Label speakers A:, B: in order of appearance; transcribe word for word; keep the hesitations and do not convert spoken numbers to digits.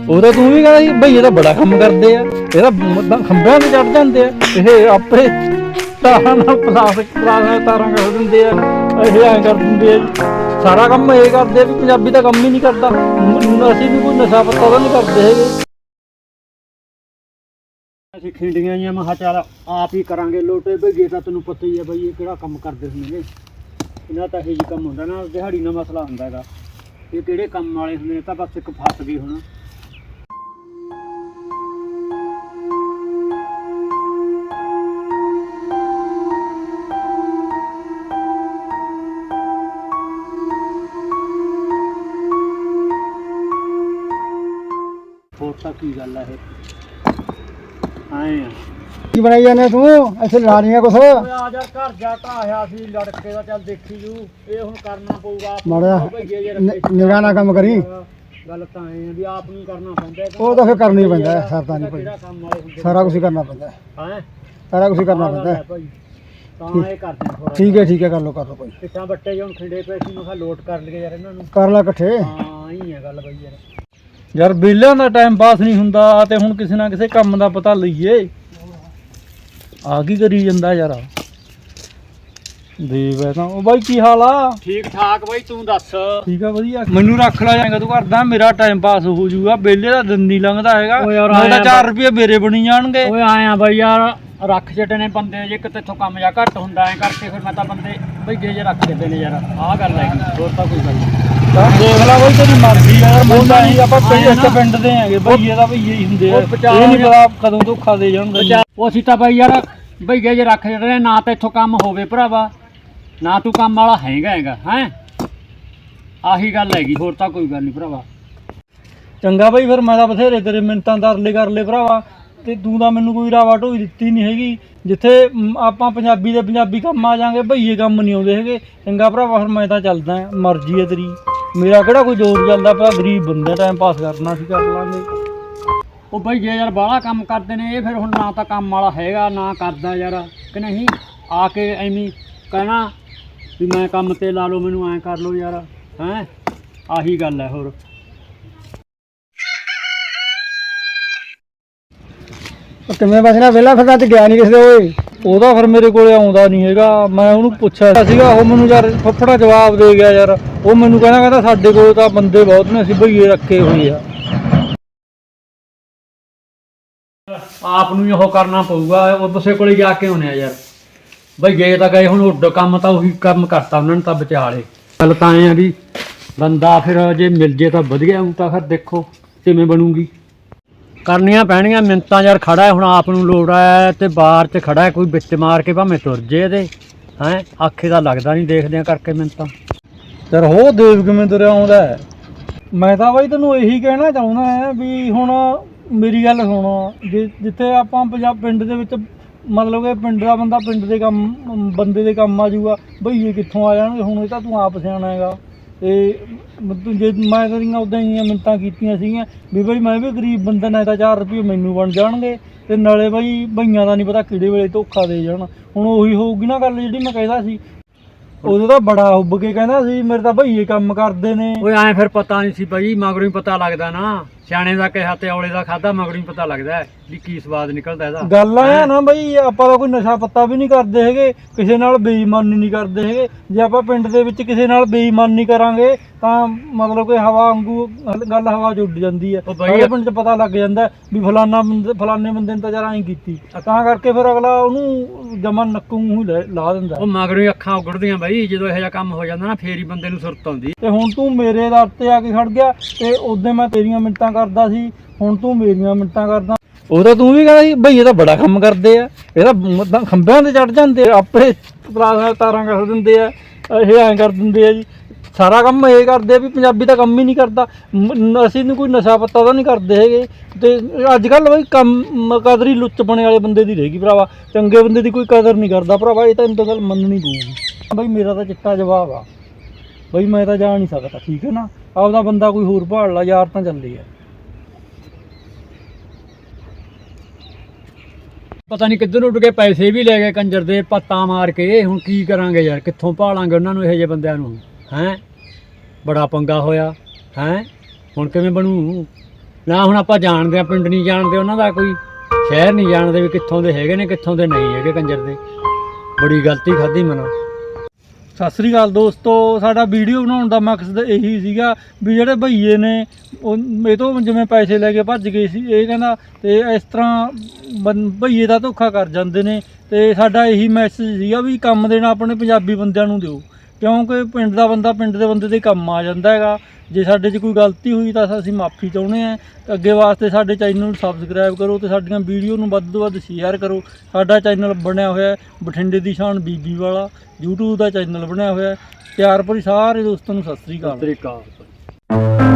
A: ਉਹਦਾ ਤੂੰ ਵੀ ਕਹਿੰਦਾ ਸੀ ਭਈਏ ਤਾਂ ਬੜਾ ਕੰਮ ਕਰਦੇ ਆ, ਇਹਦਾ ਖੰਭਿਆਂ ਤੇ ਚੜ ਜਾਂਦੇ ਆ, ਇਹ ਆਪੇ ਤਾਰਾਂ ਨਾਲ ਪਲਾਸਟਿਕ ਪਲਾਸਟਿਕ ਤਾਰਾਂ ਕਰ ਦਿੰਦੇ ਆ, ਇਹ ਐਂ ਕਰ ਦਿੰਦੇ ਆ ਜੀ। ਸਾਰਾ ਕੰਮ ਇਹ ਕਰਦੇ ਆ ਵੀ ਪੰਜਾਬੀ ਤਾਂ ਕੰਮ ਹੀ ਨਹੀਂ ਕਰਦਾ। ਅਸੀਂ ਵੀ ਕੋਈ ਨਸ਼ਾ ਪੱਤਾ ਤਾਂ ਨਹੀਂ ਕਰਦੇ ਹੈਗੇ।
B: ਅਸੀਂ ਖਿੰਡੀਆਂ ਜੀਆਂ ਮੈਂ ਕਿਹਾ ਚੱਲ ਆਪ ਹੀ ਕਰਾਂਗੇ ਲੋਟੇ ਭਈਏ ਤਾਂ ਤੈਨੂੰ ਪਤਾ ਹੀ ਹੈ ਬਈ ਇਹ ਕਿਹੜਾ ਕੰਮ ਕਰਦੇ ਹੁੰਦੇ ਨੇ, ਇਹਨਾਂ ਤਾਂ ਇਹੋ ਜਿਹੀ ਕੰਮ ਹੁੰਦਾ ਨਾ, ਦਿਹਾੜੀ ਨਾਲ ਮਸਲਾ ਹੁੰਦਾ ਹੈਗਾ। ਇਹ ਕਿਹੜੇ ਕੰਮ ਵਾਲੇ ਹੁੰਦੇ ਨੇ, ਤਾਂ ਬਸ ਇੱਕ ਫਸ ਗਈ ਹੁਣ। ਹੋਰ ਤਾਂ ਕੀ ਗੱਲ ਆ ਇਹ ਆਏ ਆ
C: ਕੀ ਬਣਾਈ ਜਾਂਦੇ ਤੂੰ ਇੱਥੇ ਲਾ ਰਹੀਆਂ ਕੁਛ?
B: ਓਏ ਆ ਜਾ ਘਰ ਜਾ ਢਾਹਿਆ ਸੀ ਲੜਕੇ ਦਾ, ਚੱਲ ਦੇਖੀ ਜੂ ਇਹ ਹੁਣ ਕਰਨਾ ਪਊਗਾ।
C: ਮਾੜਾ ਨਿਗਾਹ ਨਾਲ ਕੰਮ ਕਰੀ।
B: ਗੱਲ ਤਾਂ ਐ ਵੀ ਆਪ ਨੂੰ ਕਰਨਾ ਪੈਂਦਾ,
C: ਉਹ ਤਾਂ ਫਿਰ ਕਰਨਾ ਹੀ ਪੈਂਦਾ, ਸਰਦਾ ਨਹੀਂ ਭਾਈ,
B: ਕੰਮ ਵਾਲੇ ਹੁੰਦੇ
C: ਸਾਰਾ ਕੁਝ ਕਰਨਾ ਪੈਂਦਾ,
B: ਹੈ
C: ਸਾਰਾ ਕੁਝ ਕਰਨਾ ਪੈਂਦਾ
B: ਭਾਈ। ਤਾਂ ਇਹ ਕਰਦੇ ਥੋੜਾ
C: ਠੀਕ ਹੈ ਠੀਕ ਹੈ, ਕਰ ਲਓ ਕਰ ਲਓ ਭਾਈ।
B: ਕਿੱਟਾਂ ਬੱਟੇ ਜਿਹੇ ਹੁਣ ਖਿੰਡੇ ਪਏ ਸੀ, ਮੈਂ ਕਿਹਾ ਲੋਟ ਕਰ ਲਈਏ ਯਾਰ ਇਹਨਾਂ ਨੂੰ।
C: ਕਰ ਲੈ ਇਕੱਠੇ।
B: ਹਾਂ ਹੀ ਹੈ ਗੱਲ ਬਈ ਯਾਰ।
A: ਯਾਰ ਵਿਹਲਿਆਂ ਦਾ ਟਾਈਮ ਪਾਸ ਨਹੀਂ ਹੁੰਦਾ ਤੇ ਹੁਣ ਕਿਸੇ ਨਾ ਕਿਸੇ ਕੰਮ ਦਾ ਪਤਾ ਲਈਏ। ਆ ਕੀ ਕਰੀ ਜਾਂਦਾ ਯਾਰ ਦੇਵ ਹੈ ਤਾਂ। ਉਹ ਬਾਈ ਕੀ ਹਾਲ ਆ?
B: ਠੀਕ ਠਾਕ ਬਾਈ, ਤੂੰ ਦੱਸ?
A: ਠੀਕ ਆ ਵਧੀਆ। ਮੈਨੂੰ ਰੱਖ ਲਾ ਜਾਏਗਾ ਤੂੰ ਕਰਦਾ, ਮੇਰਾ ਟਾਈਮ ਪਾਸ ਹੋ ਜਾਊਗਾ। ਵਿਹਲੇ ਦਾ ਦਿਨ ਨਹੀਂ ਲੰਘਦਾ ਹੈਗਾ, ਮੇਰਾ ਚਾਰ ਰੁਪਏ ਮੇਰੇ ਬਣੀ ਜਾਣਗੇ।
B: ਓਏ ਆਏ ਆ ਬਾਈ ਯਾਰ, ਰੱਖ ਛੱਡੇ ਨੇ ਬੰਦੇ ਜੇ ਕਿਤੇ ਇੱਥੋਂ ਕੰਮ ਜਾ ਘੱਟ ਹੁੰਦਾ ਐ ਕਰਕੇ, ਫਿਰ ਮੈਂ ਤਾਂ ਬੰਦੇ ਬਈ ਜੇ ਜੇ ਰੱਖ ਛੱਡੇ ਨੇ ਯਾਰ। ਆਹ ਗੱਲ ਹੈਗੀ, ਹੋਰ ਤਾਂ ਕੋਈ ਗੱਲ ਨਹੀਂ।
A: ਦੇਖ ਲਾ ਬਈ ਤੇਰੀ ਮਰਜ਼ੀ ਯਾਰ, ਮੁੰਡਾ ਨਹੀਂ ਆਪਾਂ ਪਿੰਡ ਇੱਕ ਪਿੰਡ ਦੇ ਹੈਗੇ, ਭਈਏ ਦਾ ਭਈਏ ਹੀ ਹੁੰਦੇ ਆ। ਇਹ ਨਹੀਂ ਪਤਾ ਕਦੋਂ ਧੋਖਾ ਦੇ ਜਾਣਗੇ।
B: ਉਹ ਅਸੀਂ ਤਾਂ ਬਾਈ ਯਾਰ ਭਈਏ ਜੇ ਰੱਖ ਛੱਡੇ ਨੇ, ਨਾ ਤਾਂ ਇੱਥੋਂ ਕੰਮ ਹੋਵੇ ਭਰਾਵਾ, ਨਾ ਤੂੰ ਕੰਮ ਵਾਲਾ ਹੈਗਾ ਹੈਗਾ ਹੈ। ਆਹੀ ਗੱਲ ਹੈਗੀ, ਹੋਰ ਤਾਂ ਕੋਈ ਗੱਲ ਨਹੀਂ ਭਰਾਵਾ।
A: ਚੰਗਾ ਬਈ ਫਿਰ ਮੈਂ ਤਾਂ ਬਥੇਰੇ ਤੇਰੇ ਮਿੰਟਾਂ ਤਰਲੇ ਕਰ ਲਏ ਭਰਾਵਾ, ਤੇ ਤੂੰ ਤਾਂ ਮੈਨੂੰ ਕੋਈ ਰਾਵਾ ਢੋਈ ਦਿੱਤੀ ਨਹੀਂ ਹੈਗੀ। ਜਿੱਥੇ ਆਪਾਂ ਪੰਜਾਬੀ ਦੇ ਪੰਜਾਬੀ ਕੰਮ ਆ ਜਾਾਂਗੇ, ਭਈਏ ਕੰਮ ਨਹੀਂ ਆਉਂਦੇ ਹੈਗੇ। ਚੰਗਾ ਭਰਾਵਾ ਫਿਰ ਮੈਂ ਤਾਂ ਚੱਲਦਾ, ਮਰਜ਼ੀ ਹੈ ਤੇਰੀ, ਮੇਰਾ ਕਿਹੜਾ ਕੋਈ ਜ਼ੋਰ ਚੱਲਦਾ ਪਿਆ। ਗਰੀਬ ਬੰਦੇ ਟਾਈਮ ਪਾਸ ਕਰਨਾ ਸੀ, ਕਰ ਲਾਂਗੇ।
B: ਉਹ ਬਈ ਜੇ ਯਾਰ ਬਾਹਲਾ ਕੰਮ ਕਰਦੇ ਨੇ ਇਹ, ਫਿਰ ਹੁਣ ਨਾ ਤਾਂ ਕੰਮ ਵਾਲਾ ਹੈਗਾ ਨਾ ਕਰਦਾ ਯਾਰ, ਕਿ ਨਹੀਂ? ਆ ਕੇ ਐਵੇਂ ਕਹਿਣਾ ਵੀ ਮੈਂ ਕੰਮ ਤੇ ਲਾ ਲਓ ਮੈਨੂੰ, ਐਂ ਕਰ ਲਓ ਯਾਰ, ਹੈਂ। ਆਹੀ ਗੱਲ ਹੈ। ਹੋਰ
C: ਕਿਵੇਂ ਬਸਣਾ ਵਿਹਲਾ ਫਿਰ ਅੱਜ ਗਿਆ ਨਹੀਂ ਕਿਸੇ ਦੇ? ਓਏ
A: ਉਹਦਾ ਫਿਰ ਮੇਰੇ ਕੋਲੇ ਆਉਂਦਾ ਨਹੀਂ ਹੈਗਾ। ਮੈਂ ਉਹਨੂੰ ਪੁੱਛਿਆ ਸੀਗਾ, ਉਹ ਮੈਨੂੰ ਯਾਰ ਫੱਫੜਾ ਜਵਾਬ ਦੇ ਗਿਆ ਯਾਰ। ਉਹ ਮੈਨੂੰ ਕਹਿੰਦਾ ਕਹਿੰਦਾ ਸਾਡੇ ਕੋਲ ਤਾਂ ਬੰਦੇ ਬਹੁਤ ਨੇ, ਅਸੀਂ ਭਈਏ ਰੱਖੇ ਹੋਏ ਆ।
B: ਆਪ ਨੂੰ ਉਹ ਕਰਨਾ ਪਊਗਾ, ਉਹ ਕਿਸੇ ਕੋਲੇ ਜਾ ਕੇ ਆਉਣੇ ਆ ਯਾਰ। ਬਈ ਗਏ ਤਾਂ ਗਏ, ਹੁਣ ਉੱਡ ਕੰਮ ਤਾਂ ਉਹੀ ਕੰਮ ਕਰਤਾ ਉਹਨਾਂ ਨੇ ਤਾਂ ਵਿਚਾਲੇ। ਗੱਲ ਤਾਂ ਐਂ ਆ ਵੀ ਬੰਦਾ ਫਿਰ ਜੇ ਮਿਲ ਜੇ ਤਾਂ ਵਧੀਆ, ਉਹ ਤਾਂ ਫਿਰ ਦੇਖੋ ਕਿਵੇਂ ਬਣੂਗੀ। ਕਰਨੀਆਂ ਪੈਣੀਆਂ ਮਿੰਤਾਂ ਯਾਰ। ਖੜਾ ਹੈ ਹੁਣ, ਆਪ ਨੂੰ ਲੋੜ ਹੈ ਤੇ ਬਾਹਰ 'ਚ ਖੜਾ ਹੈ, ਕੋਈ ਵਿੱਚ ਮਾਰ ਕੇ ਭਾਵੇਂ ਤੁਰ ਜੇ ਇਹਦੇ, ਹੈਂ। ਆਖੇ ਦਾ ਲੱਗਦਾ ਨਹੀਂ, ਦੇਖਦਿਆਂ ਕਰਕੇ ਮਿੰਤਾਂ।
A: ਯਾਰ ਹੋ ਦੇਵ ਕਿਵੇਂ ਤੁਰਿਆ ਆਉਂਦਾ। ਮੈਂ ਤਾਂ ਬਾਈ ਤੈਨੂੰ ਇਹੀ ਕਹਿਣਾ ਚਾਹੁੰਦਾ ਹੈ ਵੀ ਹੁਣ ਮੇਰੀ ਗੱਲ ਸੁਣ, ਜੇ ਜਿੱਥੇ ਆਪਾਂ ਪੰਜਾਬ ਪਿੰਡ ਦੇ ਵਿੱਚ ਮਤਲਬ ਕਿ ਪਿੰਡ ਦਾ ਬੰਦਾ ਪਿੰਡ ਦੇ ਕੰਮ ਬੰਦੇ ਦੇ ਕੰਮ ਆ ਜਾਊਗਾ, ਭਈਏ ਕਿੱਥੋਂ ਆ ਜਾਣਗੇ? ਹੁਣ ਇਹ ਤਾਂ ਤੂੰ ਆਪ ਸਿਆਣਾ ਹੈਗਾ। ਤੇ ਤੂੰ ਜੇ ਮੈਂ ਤੇਰੀਆਂ ਉੱਦਾਂ ਹੀ ਮਿੰਨਤਾਂ ਕੀਤੀਆਂ ਸੀਗੀਆਂ ਵੀ ਬਈ ਮੈਂ ਵੀ ਗਰੀਬ ਬੰਦਾ, ਨਾ ਤਾਂ ਚਾਰ ਰੁਪਏ ਮੈਨੂੰ ਬਣ ਜਾਣਗੇ ਤੇ ਨਾਲੇ ਬਈ ਭਈਆਂ ਦਾ ਨਹੀਂ ਪਤਾ ਕਿਹੜੇ ਵੇਲੇ ਧੋਖਾ ਦੇ ਜਾਣ। ਹੁਣ ਉਹੀ ਹੋਊਗੀ ਨਾ ਗੱਲ ਜਿਹੜੀ ਮੈਂ ਕਹਿੰਦਾ ਸੀ। ਉਦੋਂ ਤਾਂ ਬੜਾ ਉੱਬ ਕੇ ਕਹਿੰਦਾ ਸੀ ਮੇਰੇ ਤਾਂ ਭਈਏ ਕੰਮ ਕਰਦੇ ਨੇ।
B: ਓਏ ਐਂ ਫਿਰ ਪਤਾ ਨਹੀਂ ਸੀ ਬਈ, ਮਗਰੋਂ ਹੀ ਪਤਾ ਲੱਗਦਾ ਨਾ। ਸਿਆਣੇ ਦਾ ਕਿਹਾ ਤੇ ਔਲੇ ਦਾ ਖਾਦਾ, ਮਗਰੋਂ ਹੀ ਪਤਾ ਲੱਗਦਾ ਵੀ ਕੀ ਸਵਾਦ ਨਿਕਲਦਾ ਇਹਦਾ। ਗੱਲ
A: ਆ ਨਾ ਬਈ, ਆਪਾਂ ਤਾਂ ਕੋਈ ਨਸ਼ਾ ਪੱਤਾ ਵੀ ਨਹੀਂ ਕਰਦੇ ਹੈਗੇ, ਕਿਸੇ ਨਾਲ ਬੇਈਮਾਨੀ ਨਹੀਂ ਕਰਦੇ ਹੈਗੇ। ਜੇ ਆਪਾਂ ਪਿੰਡ ਦੇ ਵਿੱਚ ਕਿਸੇ ਨਾਲ ਬੇਈਮਾਨੀ ਕਰਾਂਗੇ ਤਾਂ ਮਤਲਬ ਕਿ ਹਵਾ ਵਾਂਗੂ ਗੱਲ ਹਵਾ 'ਚ ਉੱਡ ਜਾਂਦੀ ਹੈ। ਸਾਰੇ ਪਿੰਡ 'ਚ ਪਤਾ ਲੱਗ ਜਾਂਦਾ ਵੀ ਫਲਾਨਾ ਬੰਦੇ ਫਲਾਨੇ ਬੰਦੇ ਨੇ ਤਾਂ ਯਾਰ ਐਂ ਕੀਤੀ, ਤਾਂ ਕਰਕੇ ਫਿਰ ਅਗਲਾ ਉਹਨੂੰ ਜਮਨ ਨੱਕੂ ਹੀ ਲਾ ਦਿੰਦਾ।
B: ਉਹ ਮਗਰੋਂ ਹੀ ਅੱਖਾਂ ਉਗੜਦੀਆਂ ਬਈ, ਜਦੋਂ ਇਹੋ ਜਿਹਾ ਕੰਮ ਹੋ ਜਾਂਦਾ ਨਾ, ਫੇਰ ਹੀ ਬੰਦੇ ਨੂੰ ਸੁਰਤ ਆਉਂਦੀ।
A: ਤੇ ਹੁਣ ਤੂੰ ਮੇਰੇ ਦਰ ਤੇ ਆ ਕੇ ਖੜ ਗਿਆ, ਤੇ ਉਦੋਂ ਮੈਂ ਤੇਰੀਆਂ ਮਿੰਟਾਂ ਕਰਦਾ ਸੀ, ਹੁਣ ਤੂੰ ਮੇਰੀਆਂ ਮਿੰਟਾਂ ਕਰਦਾ। ਉਹਦਾ ਤੂੰ ਵੀ ਕਹਿੰਦਾ ਸੀ ਭਈਏ ਤਾਂ ਬੜਾ ਕੰਮ ਕਰਦੇ ਆ, ਇਹਦਾ ਖੰਭਿਆਂ ਤੇ ਚੜ ਜਾਂਦੇ ਆ, ਆਪੇ ਪਲਾਸ ਤਾਰਾਂ ਕਰ ਦਿੰਦੇ ਆ, ਇਹ ਐਂ ਕਰ ਦਿੰਦੇ ਆ ਜੀ। ਸਾਰਾ ਕੰਮ ਇਹ ਕਰਦੇ ਆ ਵੀ ਪੰਜਾਬੀ ਤਾਂ ਕੰਮ ਹੀ ਨਹੀਂ ਕਰਦਾ। ਅਸੀਂ ਨੂੰ ਕੋਈ ਨਸ਼ਾ ਪੱਤਾ ਤਾਂ ਨਹੀਂ ਕਰਦੇ ਹੈਗੇ। ਤੇ ਅੱਜ ਕੱਲ੍ਹ ਬਈ ਕੰਮ ਕਦਰੀ ਲੁੱਚਪਣੇ ਵਾਲੇ ਬੰਦੇ ਦੀ ਰਹੇਗੀ ਭਰਾਵਾ, ਚੰਗੇ ਬੰਦੇ ਦੀ ਕੋਈ ਕਦਰ ਨਹੀਂ ਕਰਦਾ ਭਰਾਵਾ। ਇਹ ਤਾਂ ਇਹਨੂੰ ਤਾਂ ਗੱਲ ਮੰਨਣੀ ਪਊਗੀ। ਬਈ ਮੇਰਾ ਤਾਂ ਚਿੱਟਾ ਜਵਾਬ ਆ ਬਈ, ਮੈਂ ਤਾਂ ਜਾ ਨਹੀਂ ਸਕਦਾ, ਠੀਕ ਹੈ ਨਾ। ਆਪਦਾ ਬੰਦਾ ਕੋਈ ਹੋਰ ਭਾਲ ਲਾ, ਯਾਰ ਤਾਂ ਚੱਲੇ ਆ।
B: ਪਤਾ ਨਹੀਂ ਕਿੱਧਰ ਉੱਡ ਕੇ ਪੈਸੇ ਵੀ ਲੈ ਗਏ ਕੰਜਰ ਦੇ, ਪੱਤਾ ਮਾਰ ਕੇ। ਹੁਣ ਕੀ ਕਰਾਂਗੇ ਯਾਰ, ਕਿੱਥੋਂ ਭਾਲਾਂਗੇ ਉਹਨਾਂ ਨੂੰ, ਇਹੋ ਜਿਹੇ ਬੰਦਿਆਂ ਨੂੰ, ਹੈਂ। ਬੜਾ ਪੰਗਾ ਹੋਇਆ, ਹੈਂ। ਹੁਣ ਕਿਵੇਂ ਬਣੂ? ਨਾ ਹੁਣ ਆਪਾਂ ਜਾਣਦੇ ਆ, ਪਿੰਡ ਨਹੀਂ ਜਾਣਦੇ ਉਹਨਾਂ ਦਾ, ਕੋਈ ਸ਼ਹਿਰ ਨਹੀਂ ਜਾਣਦੇ ਵੀ ਕਿੱਥੋਂ ਦੇ ਹੈਗੇ ਨੇ ਕਿੱਥੋਂ ਦੇ ਨਹੀਂ ਹੈਗੇ ਕੰਜਰ ਦੇ। ਬੜੀ ਗਲਤੀ ਖਾਧੀ ਮੈਨੂੰ।
A: ਸਤਿ ਸ੍ਰੀ ਅਕਾਲ ਦੋਸਤੋ, ਸਾਡਾ ਵੀਡੀਓ ਬਣਾਉਣ ਦਾ ਮਕਸਦ ਇਹੀ ਸੀਗਾ ਵੀ ਜਿਹੜੇ ਭਈਏ ਨੇ ਉਹ ਇਹ ਤੋਂ ਜਿਵੇਂ ਪੈਸੇ ਲੈ ਕੇ ਭੱਜ ਗਏ ਸੀ, ਇਹ ਕਹਿੰਦਾ ਤੇ ਇਸ ਤਰ੍ਹਾਂ ਬੰ- ਭਈਏ ਦਾ ਧੋਖਾ ਕਰ ਜਾਂਦੇ ਨੇ। ਤੇ ਸਾਡਾ ਇਹੀ ਮੈਸੇਜ ਸੀਗਾ ਵੀ ਕੰਮ ਦੇਣਾ ਆਪਣੇ ਪੰਜਾਬੀ ਬੰਦਿਆਂ ਨੂੰ ਦਿਓ, ਕਿਉਂਕਿ ਪਿੰਡ ਦਾ ਬੰਦਾ ਪਿੰਡ ਦੇ ਬੰਦੇ ਦੇ ਕੰਮ ਆ ਜਾਂਦਾ ਹੈਗਾ। ਜੇ ਸਾਡੇ 'ਚ ਕੋਈ ਗਲਤੀ ਹੋਈ ਤਾਂ ਅਸੀਂ ਮਾਫੀ ਚਾਹੁੰਦੇ ਹਾਂ। ਤੇ ਅੱਗੇ ਵਾਸਤੇ ਸਾਡੇ ਚੈਨਲ ਨੂੰ ਸਬਸਕ੍ਰਾਈਬ ਕਰੋ ਤੇ ਸਾਡੀਆਂ ਵੀਡੀਓ ਨੂੰ ਵੱਧ ਤੋਂ ਵੱਧ ਸ਼ੇਅਰ ਕਰੋ। ਸਾਡਾ ਚੈਨਲ ਬਣਿਆ ਹੋਇਆ ਬਠਿੰਡੇ ਦੀ ਸ਼ਾਨ ਬੀਬੀ ਵਾਲਾ YouTube ਦਾ ਚੈਨਲ ਬਣਿਆ ਹੋਇਆ। ਪਿਆਰ ਭਰੀ ਸਾਰੇ ਦੋਸਤਾਂ ਨੂੰ ਸਤਿ ਸ੍ਰੀ ਅਕਾਲ।
B: ਸਤਿ ਸ੍ਰੀ ਅਕਾਲ।